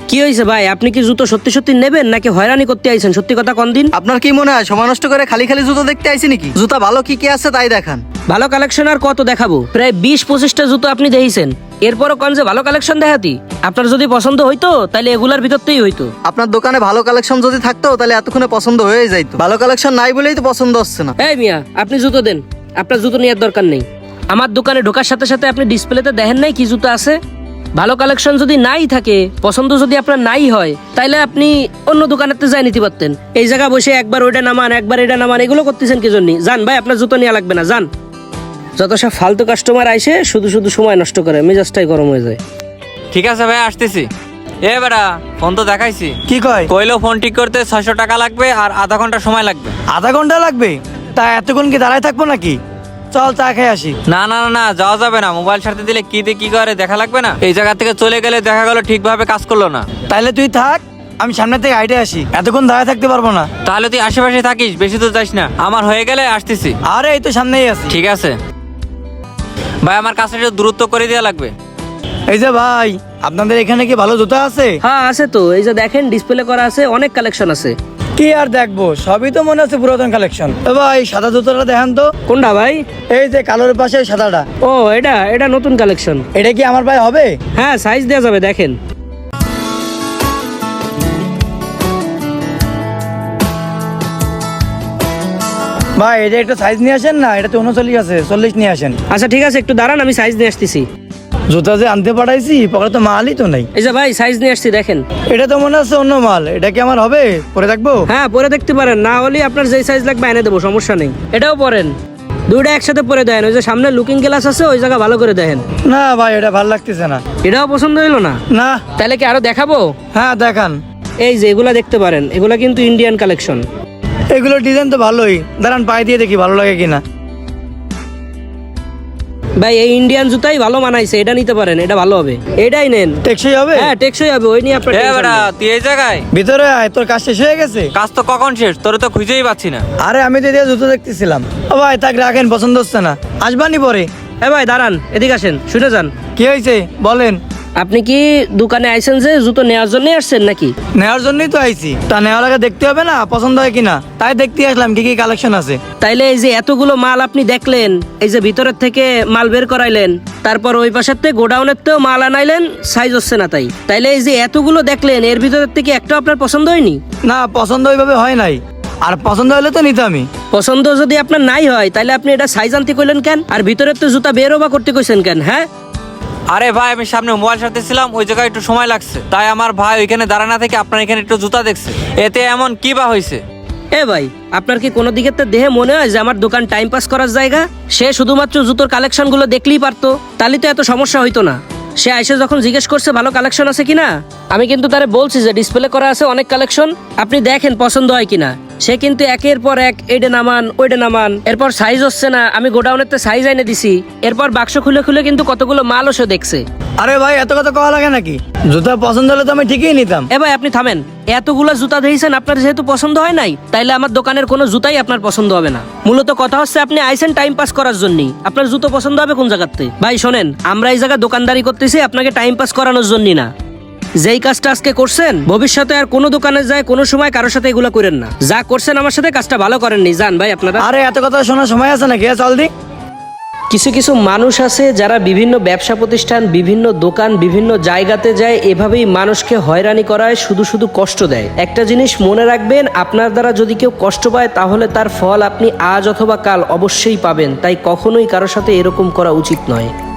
কি হয়েছে ভাই? আপনি কি জুতো সত্যি সত্যি নেবেন নাকি হয়রানি করতে আইছেন? সত্যি কথা কোন দিন। আপনার কি মনে হয় সময় নষ্ট করে খালি খালি জুতো দেখতে আইছি নাকি? জুতা ভালো কি কি আছে তাই দেখান। ভালো কালেকশন আর কত দেখাবো? প্রায় 20-25টা জুতো আপনি দেখেছেন, এরপরও কোন যে ভালো কালেকশন দেখাতি। আপনার যদি পছন্দ হইতো তাহলে এগুলার ভিতরতেই হইতো। আপনার দোকানে ভালো কালেকশন যদি থাকতো তাহলে এতক্ষণে পছন্দ হয়ে যাইতো। ভালো কালেকশন নাই বলেই তো পছন্দ হচ্ছে না। এই মিয়া, আপনি জুতো দেন, আপনার জুতো নেওয়ার দরকার নেই। আমার দোকানে ঢোকার সাথে সাথে আপনি ডিসপ্লেতে দেখেন নাই কি জুতো আছে? ভালো কালেকশন যদি নাই থাকে, পছন্দ যদি আপনার নাই হয়, তাইলে আপনি অন্য দোকানেতে যাই নিতে পারতেন। এই জায়গা বসে একবার ওইটা নামান একবার এটা নামান, এগুলো করতেছেন কি জন্য? যান ভাই, আপনার জুতো নেওয়া লাগবে না, যান। যত সব ফালতু কাস্টমার আইসে শুধু শুধু সময় নষ্ট করে, মেজাজটাই গরম হয়ে যায়। ঠিক আছে ভাই, আসতেছি। এ বেটা, ফোন তো দেখাইছি। কি কয়? কইলো ফোন ঠিক করতে 600 টাকা লাগবে আর আধা ঘন্টা সময় লাগবে। আধা ঘন্টা লাগবে? তা এতক্ষণ কি দাঁড়ায় থাকবো নাকি? চল চা খেয়ে আসি। না না না, যাওয়া যাবে না। মোবাইল সাথে দিলে কি দিয়ে কি করে দেখা লাগবে না? এই জায়গা থেকে চলে গেলে দেখা গেল ঠিকভাবে কাজ করলো না। তাইলে তুই থাক, আমি সামনে থেকে হাইটে আসি। এতক্ষণ দাঁড়ায় থাকতে পারবো না। তাহলে তুই আশেপাশে থাকিস, বেশি তো যাস না। আমার হয়ে গেলে আসতেছি। আরে এই তো সামনেই আছি। ঠিক আছে ভাই, আমার কাছে একটু দূরত্ব করে দেওয়া লাগবে। এই যে ভাই, আপনাদের এখানে কি ভালো জুতা আছে? হ্যাঁ আছে তো, এই যে দেখেন ডিসপ্লে করা আছে, অনেক কালেকশন আছে। কি আর দেখবো, সবই তো মনে হচ্ছে পুরাতন কালেকশন। ভাই সাদা জুতোটা দেখান তো। কোনটা ভাই? এই যে কালোর পাশে সাদাটা। ও, এটা এটা নতুন কালেকশন। এটা কি আমার ভাই হবে? হ্যাঁ, সাইজ দেওয়া যাবে, দেখেন। ভাই এটা একটা সাইজ নিয়ে আসেন না, এটা তো 39 আছে, 40 নিয়ে আসেন। আচ্ছা ঠিক আছে, একটু দাঁড়ান, আমি সাইজ নিয়ে আসতেছি। জুতা যে আনতে পাঠাইছি পকেটে তো মালই তো নাই। এই যে ভাই, সাইজ নিয়ে আসছি, দেখেন। এটা তো মনে হচ্ছে অন্য মাল। এটা কি আমার হবে? পরে দেখবো। হ্যাঁ, পরে দেখতে পারেন, না হলে আপনার যেই সাইজ লাগবে এনে দেবো, সমস্যা নেই। এটাও পরেন, দুইটা একসাথে পরে দেন। ওই যে সামনে লুকিং গ্লাস আছে, ওই জায়গা ভালো করে দেখেন। না ভাই, এটা ভালো লাগতেছে না। এটাও পছন্দ হইলো না? না। তাহলে কি আরো দেখাবো? হ্যাঁ দেখান। এই যে এগুলা দেখতে পারেন, এগুলা কিন্তু ইন্ডিয়ান কালেকশন। এগুলো ডিজাইন তো ভালোই, দাঁড়ান পায়ে দিয়ে দেখি ভালো লাগে কিনা। ভাই এই ইন্ডিয়ান জুতাই ভালো মানাইছে, এটা নিতে পারেন, এটা ভালো হবে, এটাই নেন। টেকসই হবে? হ্যাঁ টেকসই হবে, ওই নিয়ে আপনার এ tension বেটা, নেই। তুই এই জায়গায়? ভিতরে আয়, তোর কাজ শেষ হয়ে গেছে? কাজ তো কখন শেষ? তোরে তো খুঁজেই পাচ্ছি না। আরে আমি তো এদিকে জুতো দেখতেছিলাম। ও ভাই তাক রাখেন, পছন্দ হচ্ছে না, আসবানি পরে। ভাই দাঁড়ান, এদিকে আসেন, শুনে যান। কি হয়েছে বলেন? আপনি কি দোকানে আইছেন যে জুতো নেওয়ার জন্য আসছেন নাকি? নেওয়ার জন্যই তো আইছি। তা নেওয়ার আগে দেখতে হবে না পছন্দ হয় কিনা, তাই দেখতে আসলাম কি কি কালেকশন আছে। তাইলে এই যে এতগুলো মাল আপনি দেখলেন, এই যে ভিতরের থেকে মাল বের করাইলেন, তারপর ওই পাশের থেকে গোডাউনের থেকেও মাল আনাইলেন, সাইজ হচ্ছে না তাই। তাইলে এই যে এতগুলো দেখলেন, এর ভিতরের থেকে একটা আপনার পছন্দ হয়নি? না, পছন্দ ওইভাবে হয় নাই। আর পছন্দ হলে তো নিতাম আমি। পছন্দ যদি আপনার নাই হয়, তাইলে আপনি এটা সাইজ আনতে কইলেন কেন? আর ভিতরের তো জুতা বেরো বা করতে কইছেন কেন? হ্যাঁ আরে ভাই, আমি সামনে মোবাইল সাথে ছিলাম, ওই জায়গায় একটু সময় লাগছে, তাই আমার ভাই ওইখানে দাঁড়ানা থেকে আপনার এখানে একটু জুতা দেখছে। এতে এমন কি বা হয়েছে? ভাই, আপনার কি কোনো দিকে তো দেহে মনে হয় যে আমার দোকান টাইম পাস করার জায়গা? সে শুধুমাত্র জুতোর কালেকশন গুলো দেখলেই পারতো, তাহলে তো এত সমস্যা হইতো না। সে আইসে যখন জিজ্ঞেস করছে ভালো কালেকশন আছে কিনা, আমি কিন্তু তারে বলছি যে ডিসপ্লে করা আছে অনেক কালেকশন, আপনি দেখেন পছন্দ হয় কিনা। সে কিন্তু একের পর এক এইটা নামান ওইটা নামান, এরপর সাইজ হচ্ছে না, আমি গোডাউনের সাইজ এনে দিছি, এরপর বাক্স খুলে খুলে কিন্তু কতগুলো মালও সে দেখছে। আরে ভাই এত কথা কওয়া লাগে নাকি? জুতা পছন্দ হলে তো আমি ঠিকই নিতাম। ভাই আপনি থামেন, এতগুলো জুতা দিয়েছেন, আপনার যেহেতু পছন্দ হয় নাই, তাইলে আমার দোকানের কোনো জুতাই আপনার পছন্দ হবে না। মূলত কথা হচ্ছে আপনি আইসেন টাইম পাস করার জন্যই, আপনার জুতো পছন্দ হবে কোন জায়গাতে? ভাই শোনেন, আমরা এই জায়গায় দোকানদারি করতেছি আপনাকে টাইম পাস করানোর জন্যই না। যেই কাজটা আজকে করছেন, ভবিষ্যতে আর কোনো দোকানে যায় কোনো সময় কারোর সাথে এগুলো করেন না। যা করছেন আমার সাথে কাজটা ভালো করেননি, যান ভাই আপনারা। আরে এত কথা শোনার সময় আছে নাকি? চল দি। কিছু কিছু মানুষ আছে যারা বিভিন্ন ব্যবসা প্রতিষ্ঠান, বিভিন্ন দোকান, বিভিন্ন জায়গাতে যায়, এভাবেই মানুষকে হয়রানি করায়, শুধু শুধু কষ্ট দেয়। একটা জিনিস মনে রাখবেন, আপনার দ্বারা যদি কেউ কষ্ট পায় তাহলে তার ফল আপনি আজ অথবা কাল অবশ্যই পাবেন। তাই কখনোই কারোর সাথে এরকম করা উচিত নয়।